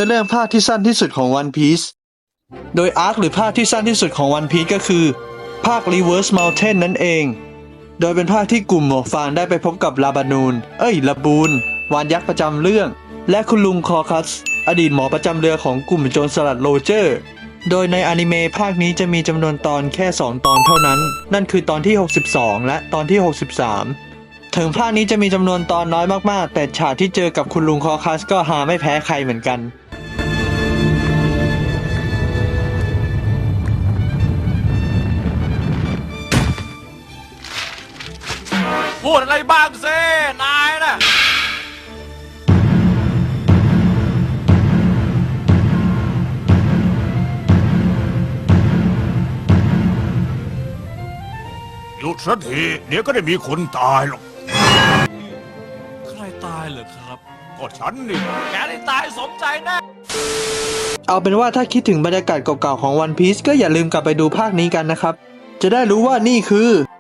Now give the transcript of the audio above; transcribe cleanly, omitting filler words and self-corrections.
เรื่องภาคที่สั้นที่สุดของ One Piece โดยอาร์คหรือภาคที่สั้นที่สุดของ One Piece ก็คือภาค Reverse Mountain นั่นเองโดยเป็นภาคที่กลุ่มหมวกฟางได้ไปพบกับลาบานูนวานยักษ์ประจำเรื่องและคุณลุงคอคัสอดีตหมอประจำเรือของกลุ่มโจรสลัดโรเจอร์โดยในอนิเมะภาคนี้จะมีจำนวนตอนแค่2ตอนเท่านั้นนั่นคือตอนที่62และตอนที่63ถึงภาคนี้จะมีจำนวนตอนน้อยมากๆแต่ฉากที่เจอกับคุณลุงคอคัสก็หาไม่แพ้ใครเหมือนกันพูดอะไรบ้างสินายนะหยุดสักทีเดี๋ยวก็ได้มีคนตายหรอกใครตายเหรอครับก็ฉันนี่แกได้ตายสมใจแน่เอาเป็นว่าถ้าคิดถึงบรรยากาศเก่าๆของ One Piece ก็อย่าลืมกลับไปดูภาคนี้กันนะครับจะได้รู้ว่านี่คือ